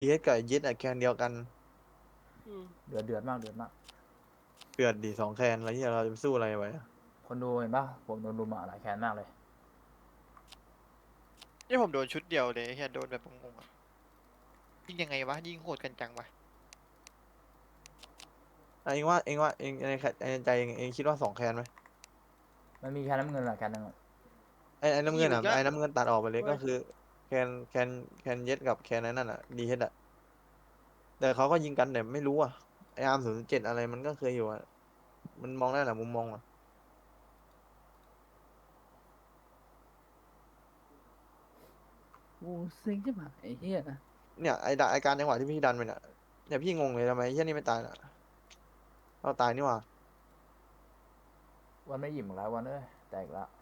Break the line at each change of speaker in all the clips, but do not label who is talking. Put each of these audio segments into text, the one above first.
ดีเอสกับยึดอะแคนเดียวกัน
เดือดมากเดือดมาก
เดือดดีสองแคนอะไรที่เราจะไปสู้อะไรไว้อะ
คนดูเห็นปะผมโดนรุมหลายแคนมากเลย
นี่ผมโดนชุดเดียวเลยไอ้เฮียโดนแบบงงๆอะยิงยังไงวะยิงโหดกันจังวะ
เองว่าเองในใจเองคิดว่าสองแคนไหม
มันมีแคนน้ำเงินหลายแคนนึงอะ
ไอ้น้ำเงินอ่ะ
มีเหมือนกัน
ไอ้น้ำเงินตัดออกไปเลย
เว้ย
ก็คือแคนเย็ดกับแคนนั่นอ่ะดีเอสอ่ะแต่เขาก็ยิงกันแต่ไม่รู้อ่ะไออาร์ม007อะไรมันก็เคยอยู่อ่ะมันมองได้แหละมุมมองอ่ะ
โอ้เซ็งใช่ไหมไอ้เหี้ย
เนี่ยไอการจังหวะที่พี่ดันไปเนี่ยพี่งงเลยทำไมไอ้เหี้ยนี่ไม่ตายน่ะเราตายนี่หว่า
วันไม่อิ่มอีกแล้ววันเอ้ยแตกละ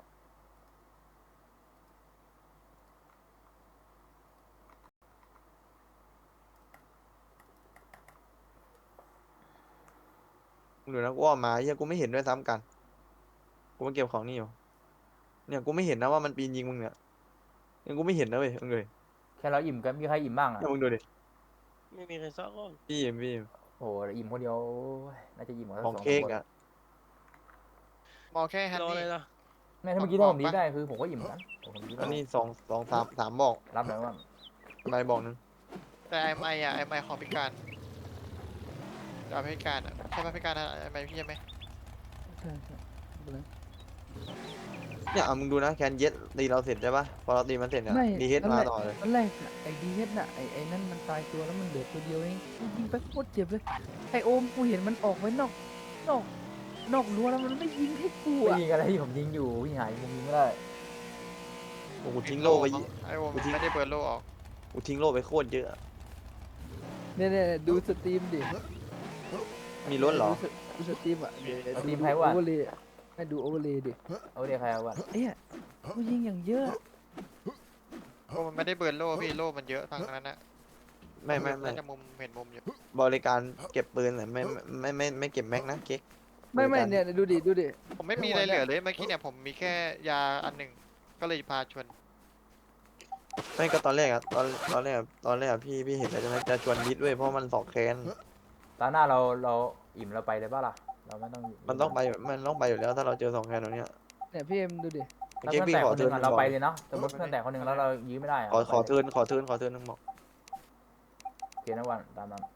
หรือนะกูออกมาไอ้เหี้ยกูไม่เห็นด้วยซ้ำกันกูมาเก็บของนี่อยู่เนี่ยกูไม่เห็นนะว่ามันปีนยิงมึงเนี่ยยังกูไม่เห็นนะเว้ยมึงเลย
แค่เราอิ่มกันมีใครอิ่มบ้างอ่ะ
เนี่ยมึงดูดิ
ไม่มีใครซักคน
พี่
โอ้โหอิ่มคนเดียวโอ้ยน่าจะอิ่มกว่าสั
ของ
กสองสามคน
เค้กอ่ะ
มองแค่ฮัน
รอ
นี่
เลยนะ
แม่ถ้าเมื่อกี้ถ้าผมดีได้คือผมก็อิ่มเหมือนกันผมดีได้
อันนี้สามบอก
รับเลยว่า
อะไรบอกหนึง
แต่ไอไออะไอไอของพิการจะเอาพิการอะใช่ไหมพิการอะไอไอพี่ใช่ไหม
ใช่ใช่ไม่เป็นไร
เนี่ยมึงดูนะแคนเย็ดตีเราเสร็จใช่ปะพอเราตีมันเสร็จเนี่ย
ไม่
ดีเฮด
ตอนแรก
มาต่อเลย
ตอนแรกอะไอ้ดีเฮ็ดน่ะไอ้นั่นมันตายตัวแล้วมันเหลือตัวเดียวเองกูยิงไปโคตรเจ็บเลยไอ้โอมกูเห็นมันออกไว้นอกนอกรั้วแล้วมันไม่ยิงให้กู
ไม่
อ่ะ
ยิงอะไรที่ผมยิงอยู่พี่หายมุมยิงไม่ได้
โอ้โหทิ้ง
โล
โล่ไป
มั้งไอโอม
กูทิ้ง
ไม่ได้เบิร์นโลออก
กูทิ้งโล่ไปโคตรเยอะอะ
เนี่ยดูสตรีมดิ
มีรถเหรอ
ดูสตรีมอ่ะ
เอาทีม
ดู
ไพ
โอ
วัน
เวอร์เลยให้ดูโอเวอร์เลยดิ
เอาเดี๋ยวใครเอาวัน
เอ้ยกูยิงอย่างเยอะ
โอ้มันไม่ได้เบิร์นโลพี่โลมันเยอะทางนั้นนะ
ไม่
น่าจะมุมเห็นมุมอยู่
บริการเก็บปืนแต่ไม่เก็บแม็กนะเก๊กบ
ไม่
ริการ
เนี่ยดูดิ
ผมไม่มีอะไรเหลือเลยเมื่อกี้เนี่ยผมมีแค่ยาอันหนึ่งก็เลยพาชวน
ไม่ก็ตอนแรกอะตอนแรกอะพี่เห็นแล้วใช่ไหมจะชวนยิดเว้ยเพราะมันสองแคน
ตอนหน้าเราอิ่มเราไปเลยป่ะล่ะเราไม่ต้อง
มันต้องไปอยู่แล้วถ้าเราเจอสองแคนตรงเนี้ย
เนี่ยพี่เอ็มดูดิ
ถ้า
เก๊ก
เพื่อนแตก
พี่ขอเทิร์น
คนหนึ่งอ่ะเราไปเลยเนาะสมมติเพื่อนแตกคนหนึ่งแล้วเรายื้อไม่ได้อ่ะ
ขอ
เราไปเลย
เทิร์นนึงบอก
โอเคนะวันตามนั้น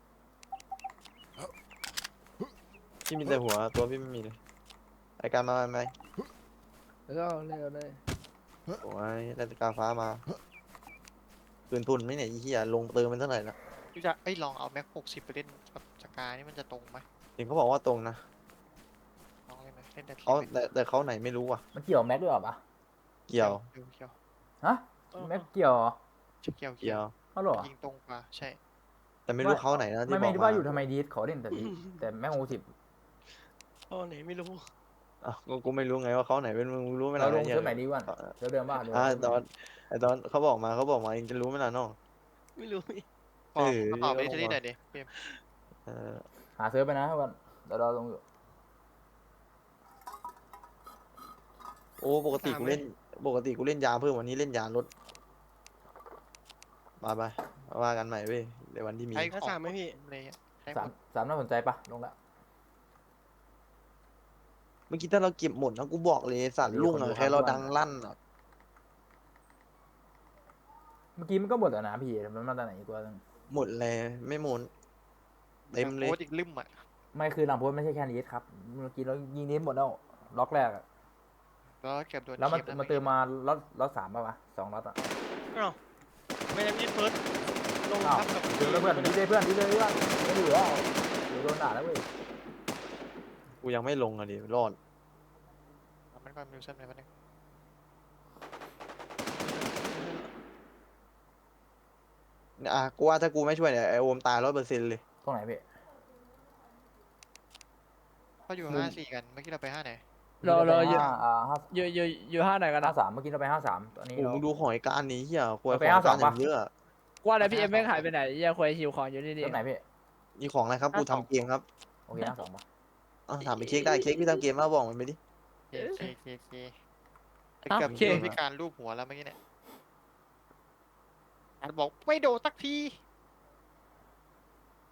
พี่มีแต่หัวตัวพี่ไม่มีเลยรายการมาไหม
แล้วก็เอาเลย
โอ้ยได้แต่กาฟ้ามาคืนทุนไหมเนี่ยไอ้เหี้ยลงเติมเป็นเท่าไหร่ละ
พี่จะลองเอาแม็ก60ไปเล่นกับสกายนี่มันจะตรงไหม
เห็นเขาบอกว่าตรงนะ
ลองเล่นไหมเล่นได้ที
เขา
ไหม
แต่เขาไหนไม่รู้อ่ะ
มันเกี่ยวแม็กด้วยเหรอปะ
เกี่ยว
เกี่ยว
ฮะแม็กเกี่ยวเหรอ
เกี่ยว
เกี่ยว
เขาเหรอ
ยิงตรงกว่าใช่
แต่ไม่รู้เขาไหนนะที่บ
ไม่
อกมา
ว่าอยู่ทำไมดีขอเล่นแต่ดีแต่แม็ก50
พ่อไหนไม่รู้
อ่ะกูไม่รู้ไงว่าเขาไหนเป็นมึงรู้ไหม
เรา
ล่ะ
ลง
เนี่ย
เซิร์ฟไหนดีวันเซิร์ฟเดิมป่ะเดิม
ตอนเขาบอกมาเองจะรู้ไหมล่ะน้อง
ไม่รู้
พอ
เออ
ตอบไปที่ไหนดิเกม
เออ
หาเซิร์ฟไปนะวันเดี๋ยวเราลงอยู่
โอ้ปกติกูเล่นยาเพิ่มวันนี้เล่นยาลดไปว่ากันใหม่เว้ยในวันที่มี
ใช้
ถ้า
ของ
สามไหมพี่
อะไรเงี้ยใช้ห
สาม
มด
สามน่าสนใจปะลงละ
เมื่อกี้ถ้าเราเก็บหมดนะกูบอกเลยสัตว์ลุ่งอะแค่เราดังลั่นอะ
เมื่อกี้มันก็หมดแล้วนะพี่มันมาจากไหนอีกตัวนึง
หมดเลยไม่หมดเต็มเลย
โค้ดอีกลืมอ่ะ
ไม่คือหลังโพสไม่ใช่แค่นี้ครับเมื่อกี้เรายิงนี้หมดแล้วล็อกแรกอะ
แล้วเก็บโดน
แล้วมัน
เข็
มาเติมมาล็อต3ป่ะวะ2ล็อตอะ
อ้าวไม่ได้มีเฟิร์สลง
อ้าว
ทับกับ
เจอแล้วเพื่อนดีเลยเพื่อนดีเลยว่าไม่เหลือเดี๋ยวโดนด่าแล้วเว้ย
กูยังไม่ลงอะดิรอด
มันก็มิวเซนเลยมันนึง
กูว่าถ้ากูไม่ช่วยเนี่ยไอโอมตาย100%เลย
ตรงไหนพี่
เขาอยู่54กันเมื่อกี้เราไป5ไหน
รอเยอะ
ห้า
อยู่ห้าไหนกันนะ
53เมื่อกี้เราไป53ตอนนี้
โอ้
เรา
มึงดูหอยการนี้เฮียควย
เอา
ข
ไป
องการ
52
อย่างเยอะ
ว่าแล้วพี่เอ็มแม่งหายไปไหนเหี้ยังควยหิวของอยู่นี่ดิ
เริ่มไหนพี่
มีของอะไรครับกูทำเกมครับ
โอเค52ป่ะ
ถามไปเค้กได้เค้กพี่ทำเกมมาบอกมันไปดิ
เคเกือบพิการรูปหัวแล้วเมื่อกี้เนี่ยอาจบอกไม่โดนสักที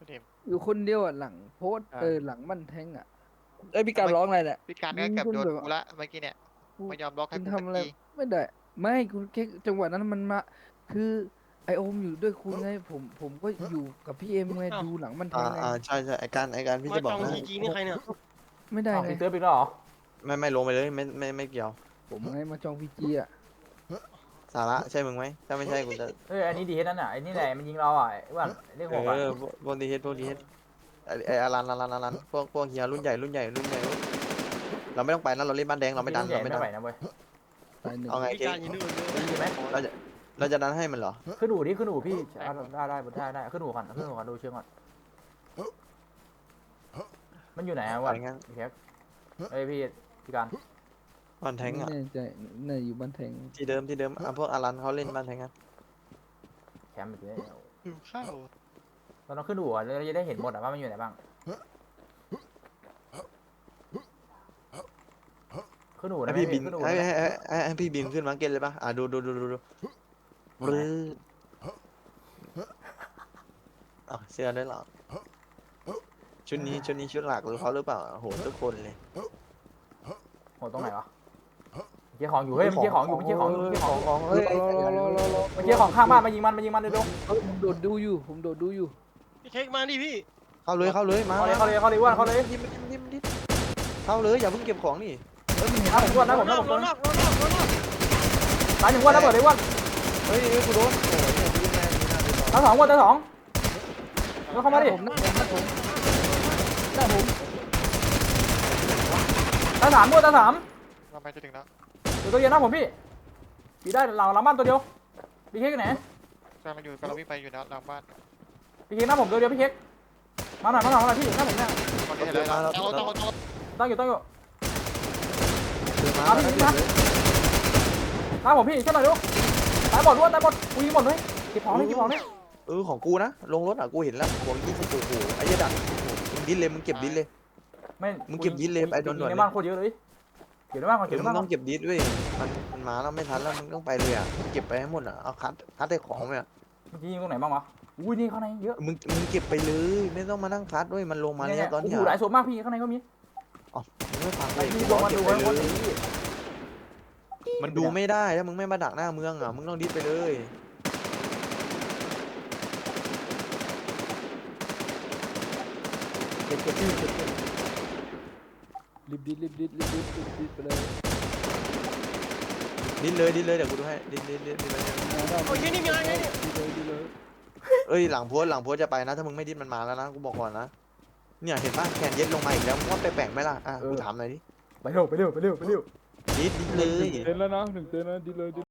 เต็ม
อยู่คนเดียวอ่ะหลังโพสต์หลังมันแทงอ่ะไอยพี่การร้องอะไรเนี่ย
พี่การก็เกือบโดนกูละเมื่อกี้เนี่ย
กู
ไม่ยอมบล็อกให้
คุณ
กู
ทำ
สัก
อะไร
ที
ไม่ได้ ไม่คุณแค่จังหวะนั้นมันมาคือไอโอมอยู่ด้วยคุณไงผมก็อยู่กับพี่เอ็มไงดูหลังมันแทงไง
ใช่ใช่ไอการพี่จะบอกนะ
นี่ใครเนี่ย
ไม่ได้
อ้าว
ไง
พี่เติร์ดไปแล้วเหรอ
ไม่ลงไปเลยไม่เกี่ยว
ผมไงมาจองพีจีอ่ะ
สาระใช่มึงไหมถ้าไม่ใช่กูจะ
เอ้ยอันนี้ดีเฮดนั่นน่ะไอ้นี่แหละมันยิงเราอ่ะไอ้อ้วนเลขหกอ่ะ
พวกดีเฮดไออารันพวกเฮียรุ่นใหญ่เราไม่ต้องไปนะเราเล่นบ้านแดงเราไม่ดัน
ใหญ่
เราไม่
ไม่
ดัน
ไหวนะเว้ย
ตายหนึ่ง
เอาไง
พี่
เจ๊
การยินดีด้วย
ดีไหม
เราจะดันให้มันเหรอ
ขึ้นอู่ดิขึ้นอู่พี่เอาได้ขึ้นอู่ก่อนดูเชือกก่อนมันอยู่ไหนอ่ะวะ
ไปงั้น
พี่แคกเอ้ยพี่การ
บ้านแทง
ไม่
อ่ะ
แน่ใจน่าอยู่บ้านแทง
ที่เดิมพวกอารันเขาเล่นบ้านแทงอ่ะ
แคมป์แบบนี้
หิวข้าว
เราต้องขึ้นอู่อ่ะเราจะได้เห็นหมดอ่ะว่ามันอยู่ไหนบ้างขึ้นอู่
ให้
ได้ไหม
พี่บิน
ขึ้นอู่
ให้พี่บินขึ้นมาเก็ตเลยปะดูบลื้อเสื้อด้วยเหรอชุดนี้ชุดหลักหรือเขาหรือเปล่าโหทุกคนเลย
โหตรงไหนวะเกี่ยของอยู่เฮ้ยมันเกี่ยของอยู่มันเกี่ยของอยู่มันเกี่ยของ
ของเฮ้ย
มันเกี่ยของข้างบ้านมายิงมันเร็ว
ผมโดดดูอยู่
พี่เค้กมาดิพี่
เข้าเลยมา
เข้าเลยอ้วนเข้าเลย
ยิ้มเข้าเลยอย่าเพิ่งเก็บของนี่
เฮ้ยมันเห็นหน้าผมอ้วนนะผม
ร
นะ
อ
ผ
บ
ม
ร
โด
อน บรอบรอบรอบ
ตายหนึ่งอ้วนแล้วเปิดเลยอ้วน
เฮ้ยกูโดนโอ้ยเนี่ยยิ้มแม่ดีนะ
ตายสองอ้วนตายสองแล้วเข้ามาดิ
ผมหน้าผม
ตายสามอ้วนตายสาม
เราไปจะถึงแล้ว
อยู่ตัวเย็นนะผมพี่ได้หลังบ้านตัวเดียวพี่เค้กไหน
กำลังอยู่กำลังวิ่งไปอยู่นะหลังบ้าน
พี่เค้กหน้าผมตัวเดียวพี่เค้กมาหน่อยพี่หน้าผมเนี่ย
ตอนนี้เห็นแล้วต้อง
ตั้งอยู่
เดินมา
หน้าผมพี่ช่วยหน่อยดูตายหมดอ้วนตายหมดกูยิงหมดเลยเก็บของเลย
ของกูนะลงรถอ่ะกูเห็นแล้วของยี่สิบโอ้โหไอ้ยดักมึงดิ้นเลยมึงเก็บดิ้นเลย
ไม่
มึงเก็บดิสเลยไอ้โดน
ในบ้านโคตรเยอะเลยเก็บในบ้านก่อน
เดี๋
เก็
ย
บ
ว
ใน
มึ
บ้าง นก่อ
ต้อน งเก็บดิสด้วยมันมาแล้วไม่ทันแล้วมึงต้องไปเลยอ่ะเก็บไปให้หมดอ่ะเอาคัดได้ของไปอ่ะ
เมื่อกี้ยิงตรงไหนบ้างวะอุ้ยนี่ข้างในเยอะ
มึงเก็บไปเลยไม่ต้องมานั่งคัดด้วยมันลงมาแล้วตอนนี้
โอ้โหหลายศพมากพี่ข้างในก็มี
มึงไม่ฟัง
ไป
เลย
ดูลงมาดูไว้หมดเลย
มันดูไม่ได้ถ้ามึงไม่มาดักหน้าเมืองอ่ะมึงต้องดิสไปเลย
เก็บรีบดิดไปเลย
ดิ้นเลยเดี๋ยวกูดูให้ดิ้นเลย
โอ้ยนี่มีอะไรเนี่ย
ดีเลย
เอ้ยหลังโพสจะไปนะถ้ามึงไม่ดิ้นมันมาแล้วนะกูบอกก่อนนะเนี่ยเห็นป่ะแขนเย็ดลงมาอีกแล้วมึงว่าแปลกๆไหมล่ะอ่ะกูถามหน่อยดิ
ไปเร็ว
ดิ้นเลย
1 เซนแล้วนะ1 เซนแล้วดีเลย